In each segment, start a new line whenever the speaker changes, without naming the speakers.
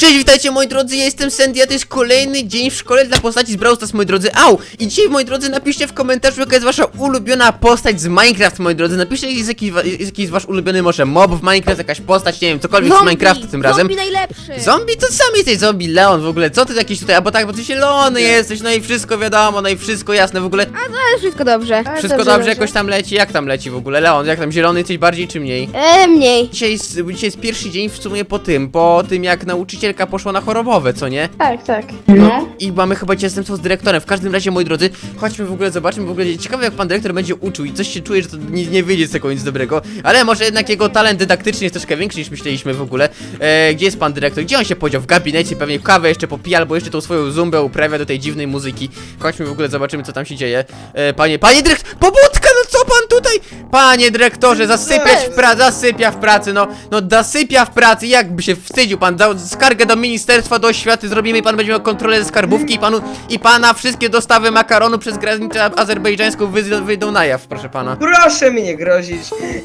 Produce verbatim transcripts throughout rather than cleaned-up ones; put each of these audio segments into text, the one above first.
Cześć, witajcie moi drodzy, ja jestem Sandy, a to jest kolejny dzień w szkole dla postaci z Brawl Stars, moi drodzy. Au! I dzisiaj, moi drodzy, napiszcie w komentarzu, jaka jest wasza ulubiona postać z Minecraft, moi drodzy. Napiszcie, jest jakiś, jest jakiś wasz ulubiony może mob w Minecraft, jakaś postać, nie wiem, cokolwiek
Zombie,
z Minecrafta tym razem.
Zombie najlepszy!
Zombie? To sam jesteś zombie, Leon w ogóle, co ty jakiś tutaj, albo tak, bo ty zielony jesteś, no i wszystko wiadomo, no i wszystko jasne w ogóle.
A to jest wszystko dobrze.
Wszystko dobrze, jakoś tam leci, jak tam leci w ogóle, Leon, jak tam zielony jesteś bardziej czy mniej?
E, mniej.
Dzisiaj jest, dzisiaj jest pierwszy dzień w sumie po tym, po tym jak nauczycielka poszła na chorobowe, co nie?
Tak, tak.
No. I mamy chyba dzisiaj zastępstwo z dyrektorem. W każdym razie, moi drodzy, chodźmy w ogóle, zobaczmy w ogóle. Ciekawe, jak pan dyrektor będzie uczył i coś się czuje, że to nie, nie wyjdzie z tego nic dobrego. Ale może jednak jego talent dydaktyczny jest troszkę większy niż myśleliśmy w ogóle. E, gdzie jest pan dyrektor? Gdzie on się podział? W gabinecie, pewnie kawę jeszcze popija, albo jeszcze tą swoją zumbę uprawia do tej dziwnej muzyki. Chodźmy w ogóle, zobaczymy, co tam się dzieje. E, panie, panie dyrektor, pobudka, no co pan tutaj? Panie dyrektorze, zasypiać w pracy, zasypia w pracy, no, no zasypia w pracy, jakby się wstydził pan, dał skargę do ministerstwa, do oświaty, zrobimy i pan będzie miał kontrolę ze skarbówki i panu, i pana wszystkie dostawy makaronu przez granicę azerbejdżańską wyjdą, wyjdą na jaw, proszę pana.
Proszę mi nie grozić.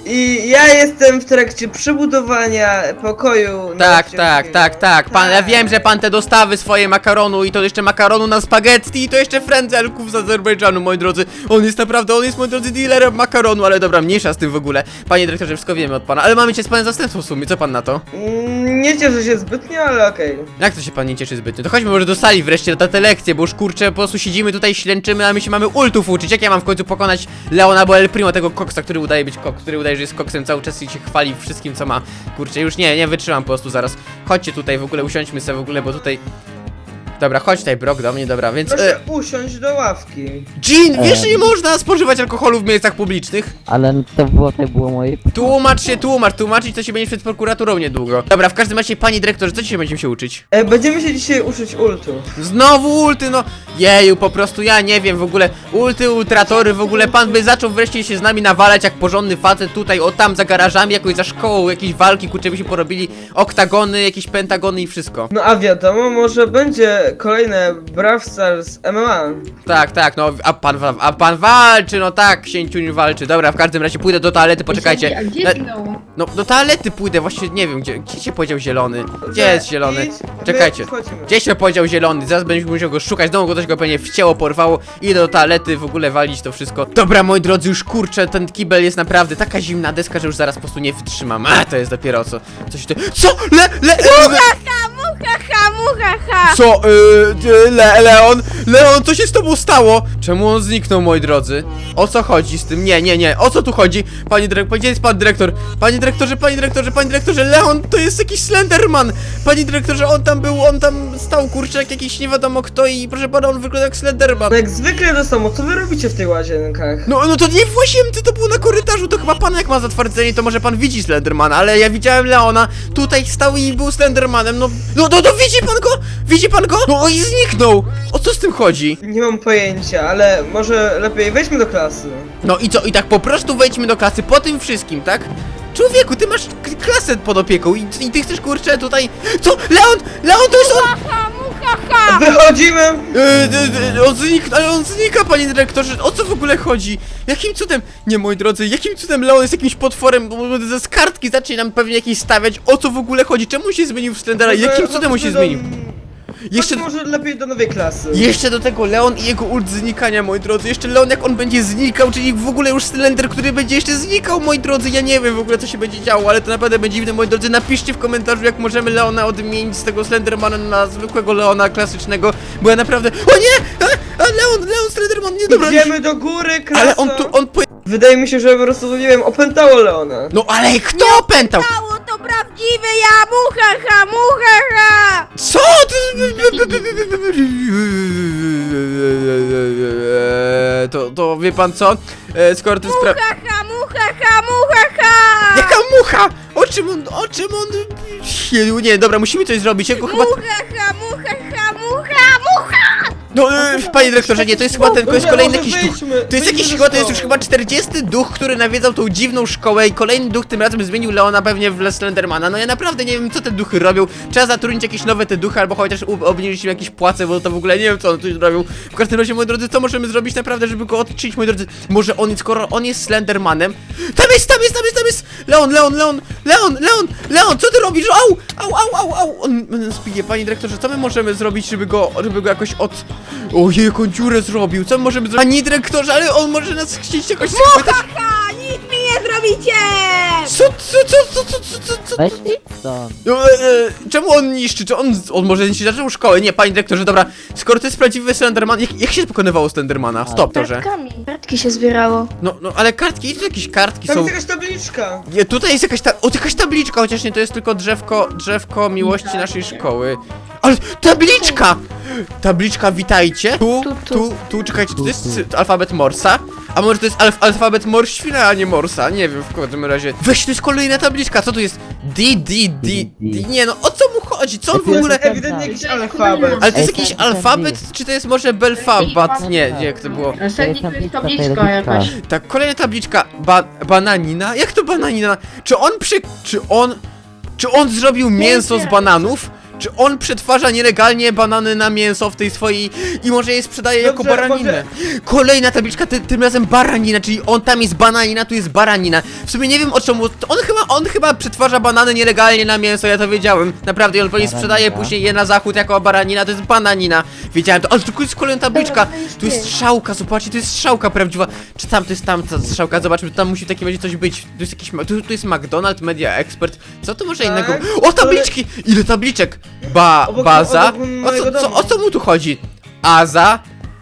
I ja jestem w trakcie przebudowania pokoju.
Tak, tak, tak, tak, pan, ja wiem, że pan te dostawy swoje makaronu i to jeszcze makaronu na spaghetti i to jeszcze frędzelków z Azerbejdżanu, moi drodzy. On jest naprawdę, on jest, moi drodzy, dealerem makaronu, ale dobra, mniejsza z tym w ogóle. Panie dyrektorze, wszystko wiemy od pana, ale mamy cię z panem zastępstwo w sumie, co pan na to?
Mm, Nie cieszę się zbytnio, ale okej.
Jak to się pan nie cieszy zbytnio? To chodźmy może do sali wreszcie na te lekcje, bo już kurczę, po prostu siedzimy tutaj, ślęczymy, a my się mamy ultów uczyć. Jak ja mam w końcu pokonać Leona bo El Primo, tego koksa, który udaje być kok, który udaje, że jest koksem cały czas i się chwali wszystkim, co ma. Kurczę, już nie, nie wytrzymam po prostu zaraz. Chodźcie tutaj w ogóle, usiądźmy sobie w ogóle, bo tutaj... Dobra, chodź tutaj, Brok, do mnie, dobra, więc...
Proszę
E,
usiąść do ławki.
Jean, wiesz, że nie można spożywać alkoholu w miejscach publicznych?
Ale to było, to było moje...
Tłumacz się, tłumacz, tłumaczyć to się będzie przed prokuraturą niedługo. Dobra, w każdym razie, panie dyrektorze, co dzisiaj będziemy się uczyć?
E, będziemy się dzisiaj uczyć ultu.
Znowu ulty, no jeju, po prostu ja nie wiem w ogóle, ulty, ultratory, w ogóle pan by zaczął wreszcie się z nami nawalać jak porządny facet tutaj, o tam za garażami, jakoś za szkołą, jakieś walki, kurczę, by się porobili oktagony, jakieś pentagony i wszystko.
No a wiadomo, może będzie kolejne Brawl Stars M M A.
Tak, tak, no, a pan, wa- a pan walczy, no tak, księciuniu walczy, dobra, w każdym razie pójdę do toalety, poczekajcie.
A gdzie
Na-
zginął?
No, do toalety pójdę, właśnie nie wiem, gdzie, gdzie się podział zielony? Gdzie jest zielony?
Idź, my
Czekajcie,
wchodzimy.
gdzie się podział zielony? Zaraz będziemy musiał go szukać, znowu go coś go pewnie wcięło, porwało. Idę do toalety, w ogóle walić to wszystko. Dobra, moi drodzy, już kurczę, ten kibel jest naprawdę taka zimna deska, że już zaraz po prostu nie wytrzymam. A, to jest dopiero co, coś ty... Co? Le, le, le,
Ha, mucha, ha, mucha, ha!
co? Yy, le, Leon? Leon, co się z tobą stało? Czemu on zniknął, moi drodzy? O co chodzi z tym? Nie, nie, nie, o co tu chodzi? Panie dyrektor, gdzie jest pan dyrektor? Panie dyrektorze, panie dyrektorze, panie dyrektorze, Leon, to jest jakiś Slenderman! Panie dyrektorze, on tam był, on tam stał, kurczę, jak jakiś nie wiadomo kto i proszę pana, on wygląda jak Slenderman.
No jak zwykle do samo, co wy robicie w tych łazienkach?
No, no to nie w łazience, to było na korytarzu, to chyba pan jak ma zatwardzenie, to może pan widzi Slendermana, ale ja widziałem Leona, tutaj stał i był Slendermanem, no, no, no, no widzi pan go? Widzi pan go? No i zniknął! O co z tym chodzi?
Nie mam pojęcia, ale może lepiej wejdźmy do klasy.
No i co, i tak po prostu wejdźmy do klasy po tym wszystkim, tak? Człowieku, ty masz k- klasę pod opieką i, i ty chcesz, kurczę, tutaj... Co? Leon! Leon, to jest on!
Ha, mucha, ha!
Wychodzimy!
Yy, yy, on znika, ale on znika, panie dyrektorze, o co w ogóle chodzi? Jakim cudem, nie moi drodzy, jakim cudem Leon jest jakimś potworem, bo bo ze z kartki zacznie nam pewnie jakieś stawiać, o co w ogóle chodzi, czemu się zmienił w Slendera,
Może-
jakim cudem on się
może
zmienił?
do-
Jeszcze...
Może lepiej do nowej klasy.
Jeszcze do tego Leon i jego ult znikania, moi drodzy. Jeszcze Leon jak on będzie znikał, czyli w ogóle już Slender, który będzie jeszcze znikał, moi drodzy. Ja nie wiem w ogóle co się będzie działo, ale to naprawdę będzie dziwne, moi drodzy. Napiszcie w komentarzu, jak możemy Leona odmienić z tego Slendermana na zwykłego Leona klasycznego, bo ja naprawdę... O nie! A, a Leon, Leon Slenderman, nie dobra.
Idziemy do góry, klasa.
Ale on tu, on po...
Wydaje mi się, że po prostu, nie wiem, opętało Leona.
No ale kto opętał?
Stało to prawdziwe ja, mucha, ha, mucha, ha!
Co? To, to wie pan co? E, Skoro to jest pra...
Mucha, ha, mucha, ha, mucha, ha!
Jaka mucha? O czym on, o czym on... Nie, dobra, musimy coś zrobić, jego chyba...
Mucha, ha, mucha, ha, mucha, mucha!
No, e, panie dyrektorze, nie, to jest chyba ten, to jest
Dobra,
kolejny
może
jakiś duch.
wyjdźmy,
To jest
wyjdźmy
jakiś
ze
chyba, to jest już
szkoły.
chyba czterdziesty duch, który nawiedzał tą dziwną szkołę i kolejny duch tym razem zmienił Leona pewnie w Slendermana. No ja naprawdę nie wiem, co te duchy robią. Trzeba zatrudnić jakieś nowe te duchy, albo chociaż u- obniżyć im jakieś płace, bo to w ogóle nie wiem, co on tu robił. W każdym razie, moi drodzy, co możemy zrobić naprawdę, żeby go odczynić, moi drodzy? Może on, skoro on jest Slendermanem... Tam jest, tam jest, tam jest, tam jest! Leon, Leon, Leon, Leon, Leon, Leon, co ty robisz? Au, au, au, au, au! On on spije, panie dyrektorze, co my możemy zrobić, żeby go, żeby go jakoś od... Ojej, jaką dziurę zrobił, co my możemy zrobić? Panie dyrektorze, ale on może nas chcieć jakoś schwytać.
Ha, nic mi nie zrobicie!
Co, co, co, co, co, co, co, co?
Weź idź stąd.
No, e, e, czemu on niszczy? Czy on, on może niszczy zaczął szkołę? Nie, panie dyrektorze, dobra. Skoro to jest prawdziwy Slenderman, jak, jak się pokonywało Slendermana? Stop, to że.
Kartkami. Kartki się zbierało.
No, no, ale kartki, to jakieś kartki
Tam
są.
jest jakaś tabliczka.
Nie, tutaj jest jakaś ta, o, jakaś tabliczka, chociaż nie, to jest tylko drzewko, drzewko miłości naszej szkoły. Ale tabliczka! Tabliczka, witajcie. Tu,
Tu,
tu,
tu.
tu, czekajcie, to jest sy- alfabet Morsa. A może to jest alf alfabet Morświna, a nie Morsa? Nie wiem, w każdym razie. Weź, to jest kolejna tabliczka, co to jest? D, D, D, D. Nie no, o co mu chodzi? Co on w ogóle...
Ewidentnie jakiś alfabet.
Ale to jest
Ej,
jakiś
ten- ten
alfabet,
list.
czy to jest może belfabat? Nie, nie, jak to było?
Następnie tu jest tabliczka
tabliczka.
jakaś.
Tak, kolejna tabliczka. Ba bananina? Jak to bananina? Czy on przy... Czy on... Czy on zrobił mięso z bananów? Czy on przetwarza nielegalnie banany na mięso w tej swojej... I może je sprzedaje jako
Dobrze,
baraninę? Kolejna tabliczka, ty, tym razem baranina, czyli on tam jest bananina, tu jest baranina. W sumie nie wiem o czemu... On chyba, on chyba przetwarza banany nielegalnie na mięso, ja to wiedziałem. Naprawdę, i on pewnie sprzedaje
Baranina.
później je na zachód jako baranina, to jest bananina. Wiedziałem to, ale tu jest kolejna tabliczka.
Dobra, to jest
Tu jest
ty.
strzałka, zobaczcie, to jest strzałka prawdziwa. Czy tam to jest tam ta strzałka? Zobaczmy, tam musi w takim razie coś być. Tu jest jakiś, ma- tu, tu jest McDonald's, Media Expert. Co tu może
Tak,
innego? O, tabliczki! Ile tabliczek? Ba,
Obok-
baza.
obok
O
mojego
co, co,
domu.
o co mu tu chodzi? Aza,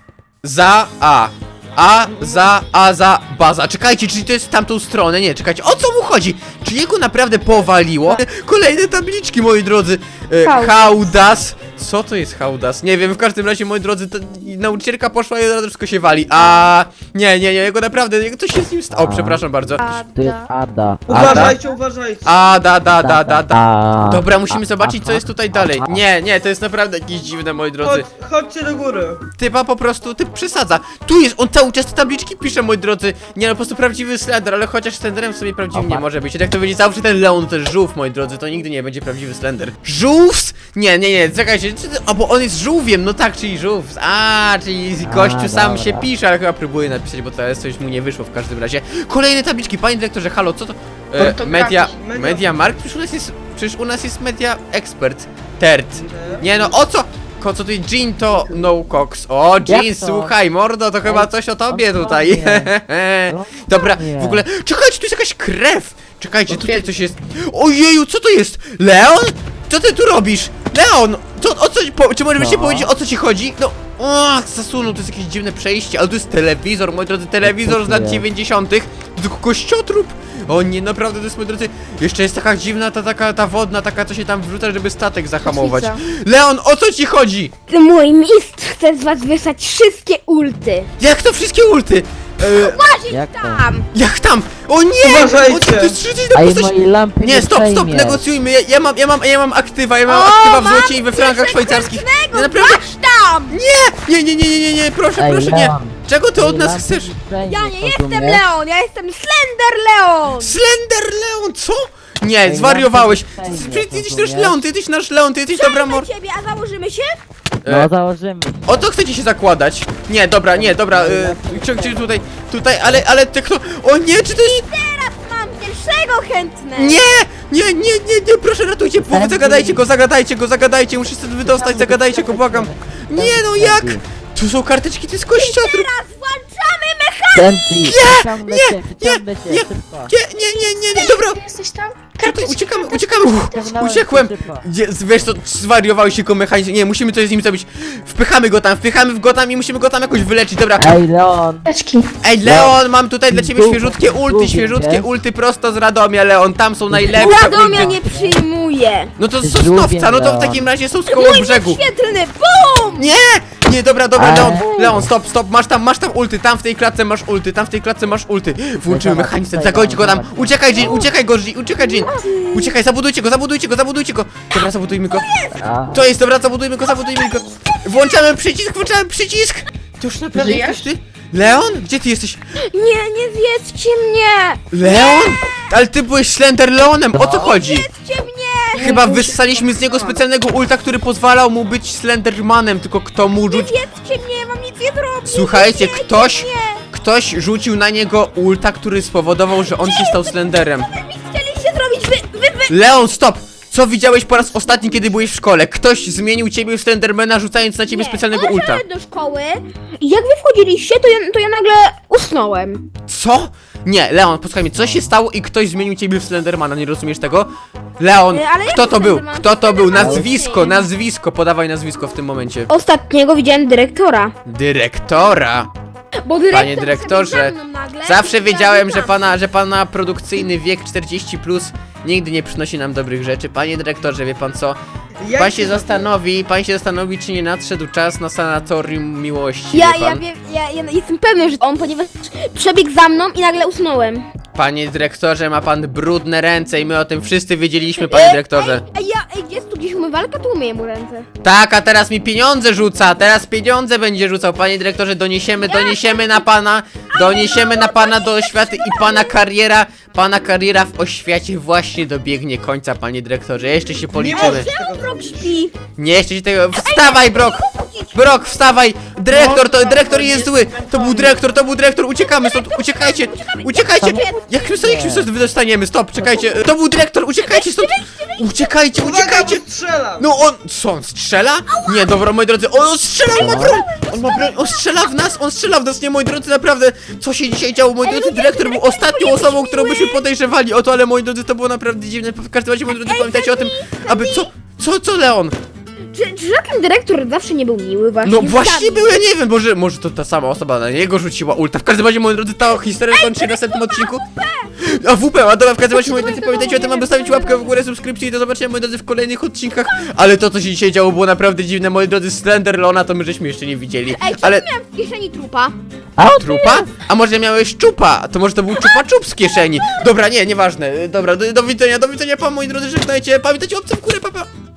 za, a. A, za, a, za, baza. Czekajcie, czyli to jest w tamtą stronę? Nie, czekajcie, o co mu chodzi? Czy jego naprawdę powaliło? Kolejne tabliczki, moi drodzy. E,
Hałdas.
hałdas. Co to jest hałdas? Nie wiem, w każdym razie, moi drodzy, to nauczycielka poszła i od razu wszystko się wali. A nie, nie, nie, jego naprawdę, jego coś się z nim stało,
A.
przepraszam bardzo.
Tu jest Ada.
Uważajcie, uważajcie.
A, da, da, da, da, da.
A.
Dobra, musimy zobaczyć, co
A,
jest tutaj
a,
dalej.
a.
Nie, nie, to jest naprawdę jakieś dziwne, moi drodzy.
Chodź, chodźcie do góry.
Typa po prostu, typ przesadza. Tu jest, on cały czas te tabliczki pisze, moi drodzy. Nie no, po prostu prawdziwy Slender, ale chociaż Slenderem w sobie prawdziwym nie
Opa.
może być. Jak to będzie zawsze ten Leon, to jest żółw, moi drodzy, to nigdy nie będzie prawdziwy Slender. Żółws? Nie, nie, nie, czekajcie, czy to- a bo on jest żółwiem, no tak, czyli żółws. A, czyli
A,
gościu sam
dobra.
się pisze, ale chyba próbuje napisać, bo teraz coś mu nie wyszło w każdym razie. Kolejne tabliczki, panie dyrektorze, halo, co to? E,
Ortografii.
media,
Media-
media Mark? Przecież u nas jest, przecież u nas jest Media Expert. Tert. Nie no, o co? Ko, co ty, Jean to no cox. O, Jean,
Jak to?
słuchaj, mordo, to chyba
Ej,
coś o tobie
on
tutaj.
kłamie. On
Dobra,
kłamie.
w ogóle, czekajcie, tu jest jakaś krew. Czekajcie, tutaj coś jest. Ojeju, co to jest? Leon? Co ty tu robisz? Leon! Co, o co, po, czy możesz mi
No.
powiedzieć, o co ci chodzi? No, o, zasunął, to jest jakieś dziwne przejście, ale to jest telewizor, moi drodzy, telewizor z lat
jest?
dziewięćdziesiątych. To tylko kościotrup. O nie, naprawdę, to jest, moi drodzy, jeszcze jest taka dziwna, ta taka, ta wodna, taka, co się tam wrzuca, żeby statek zahamować.
Kotwica.
Leon, o co ci chodzi?
Mój mistrz chce z was wysłać wszystkie ulty.
Jak to wszystkie ulty? E,
Jak to?
Tam.
jak tam? O nie!
Uważajcie.
O, to jest przecież
A
na
i
postać...
mojej lampy
Nie, stop, stop,
przejmiesz.
negocjujmy, ja, ja mam, ja mam, ja mam aktywa, ja mam
O,
aktywa w
mam
złocie i we frankach szwajcarskich. Ja naprawdę...
Masz tam!
Nie, nie, nie, nie, nie, nie, proszę,
Ej,
proszę, nie.
Leon.
Czego ty od
Mojej
nas
lampy
chcesz?
przejmiesz,
Ja nie jestem
rozumiesz?
Leon, ja jestem Slender Leon!
Slender Leon, co? Nie,
Ej,
zwariowałeś.
lampy
Ty,
przejmiesz,
ty jesteś
rozumiesz?
nasz Leon, ty jesteś nasz Leon, ty jesteś dobra mor...
Przejmę ciebie, a założymy się?
No
E,
założymy.
O to chcecie się zakładać? Nie, dobra, nie, dobra, e, czy, czy tutaj, tutaj, ale, ale ty kto... O nie, czy to jest...
Teraz mam pierwszego chętnego!
Nie! Nie, nie, nie, nie, proszę ratujcie, połowę,
Sandy.
zagadajcie go, zagadajcie go, zagadajcie, muszę stąd wydostać, zagadajcie go, błagam. Nie no, jak? Tu są karteczki, to jest kościotrup.
Teraz włączamy mechanizm!
Sandy, przyciągnę
nie,
cię, przyciągnę cię,
nie,
szybko.
Nie, nie, nie, nie, nie, dobra.
Ty jesteś tam?
Tutaj
Karteczki,
uciekamy,
karteczki,
uciekamy, Uff,
Ściągnąłem
uciekłem.
cię szybko.
Gdzie, wiesz to, zwariowałeś się go mechanizm, nie, musimy coś z nim zrobić. Wpychamy go tam, wpychamy w go tam i musimy go tam jakoś wyleczyć, dobra.
Ej, Leon.
Karteczki.
Ej, Leon, mam tutaj dla ciebie
Lubię,
świeżutkie ulty,
lubię,
świeżutkie
wiesz?
ulty prosto z Radomia, Leon, tam są najlepsze
Radomia
ulty.
nie przyjmuje!
No to z
Lubię,
Sosnowca, no to w
Leon.
takim razie są z koło
Mój
brzegu.
świetlny BUM!
Nie! Nie, dobra, dobra,
Ej.
Leon, Leon, stop, stop, masz tam, masz tam ulty, tam w tej klatce masz ulty, tam w tej klatce masz ulty. Włączymy
Dobra,
mechanizm,
tutaj,
zagońcie go tam,
dobra.
uciekaj, Jean, uciekaj go, Jean, uciekaj, Jean. Uciekaj, zabudujcie go, zabudujcie go, zabudujcie go. Dobra, zabudujmy go.
A,
To jest, dobra, zabudujmy go, zabudujmy go. Włączamy przycisk, włączamy przycisk! To już naprawdę
Żyjesz?
jesteś ty? Leon? Gdzie ty jesteś?
Nie, nie zjedzcie mnie!
Leon? Ale ty byłeś Slender Leonem, o co chodzi?
Zjedzcie mnie!
Chyba wyssaliśmy z niego specjalnego ulta, który pozwalał mu być Slendermanem, tylko kto mu
Nie
rzucił...
zjedzcie mnie, ja wam nic nie zrobię!
Słuchajcie,
Nie
ktoś,
mnie.
ktoś rzucił na niego ulta, który spowodował, że on się stał Slenderem.
Co wy mi chcieliście zrobić? Wy, wy, wy!
Leon, stop! Co widziałeś po raz ostatni, kiedy byłeś w szkole? Ktoś zmienił ciebie w Slendermana, rzucając na ciebie
Nie,
specjalnego ulta.
Poszedłem do szkoły i jak wy wchodziliście, to ja, to ja nagle usnąłem.
Co? Nie, Leon, posłuchaj mnie, co się stało i ktoś zmienił ciebie w Slendermana, nie rozumiesz tego? Leon,
E, ale
kto
jak
to był?
Slenderman?
Kto to był?
Slenderman
Nazwisko,
był.
nazwisko, podawaj nazwisko w tym momencie.
Ostatniego widziałem dyrektora.
Dyrektora!
Bo dyrektor
Panie dyrektorze,
wszedł za mną nagle
zawsze
i
wiedziałem, że
powiedział,
pana, że pana produkcyjny wiek czterdzieści plus nigdy nie przynosi nam dobrych rzeczy. Panie dyrektorze, wie pan co?
Jak
Pan się
ty-
zastanowi, pan się zastanowi, czy nie nadszedł czas na sanatorium miłości,
Ja,
wie
ja,
pan?
wiem, ja, ja jestem pewny, że on, ponieważ przebiegł za mną i nagle usnąłem.
Panie dyrektorze, ma pan brudne ręce i my o tym wszyscy wiedzieliśmy, panie dyrektorze.
Ej, ja, ej, gdzie jest tu gdzieś umywalka? Tu umyję mu ręce.
Tak, a teraz mi pieniądze rzuca, teraz pieniądze będzie rzucał. Panie dyrektorze, doniesiemy, doniesiemy na pana, doniesiemy na pana do oświaty i pana kariera, pana kariera w oświacie właśnie dobiegnie końca, panie dyrektorze. Jeszcze się
Nie
policzymy.
możesz tego
Brok
zrobić.
śpi.
Nie, jeszcze się tego... Wstawaj, Brok! Brok, wstawaj! Dyrektor, to dyrektor jest zły! To był dyrektor, to był dyrektor, uciekamy stąd, uciekajcie! Uciekajcie! Jak my sobie, jak my sobie wydostaniemy? Stop, czekajcie! To był dyrektor, uciekajcie stąd! Uciekajcie,
Uwaga,
uciekajcie!
bo strzelam!
No on, co on strzela? Nie, dobra, moi drodzy, on strzela, on ma broń! On ma broń, on strzela w nas, on strzela w nas, nie, moi drodzy, naprawdę! Co się dzisiaj działo, moi drodzy? Dyrektor był ostatnią osobą, którą byśmy podejrzewali o to, ale moi drodzy, to było naprawdę dziwne. W każdym razie, moi drodzy, pamiętajcie o tym, aby... Co? Co, co, Leon?
Czy, czy żaden dyrektor zawsze nie był miły właśnie?
No właśnie
Wstawił.
był, ja nie wiem, może, może to ta sama osoba na niego rzuciła ulta. W każdym razie, moi drodzy, ta historia kończy się w następnym odcinku. A W P, a dobra, w każdym razie, moi drodzy, pamiętajcie o tym, aby stawić łapkę w górę, subskrypcję i do zobaczenia, moi drodzy, w kolejnych odcinkach. Ale to, co się dzisiaj działo, było naprawdę dziwne, moi drodzy. Slender Leona to my żeśmy jeszcze nie widzieli.
Ej, co
Ale...
Ale... miałem w kieszeni trupa?
A on
Trupa? A może miałeś czupa? To może to był czupa czup z kieszeni. Dobra, nie, nieważne. Dobra, do, do widzenia, do widzenia, pa, moi drodzy, żegnajcie. Pamiętajcie, łapce w górę, papa. Pa.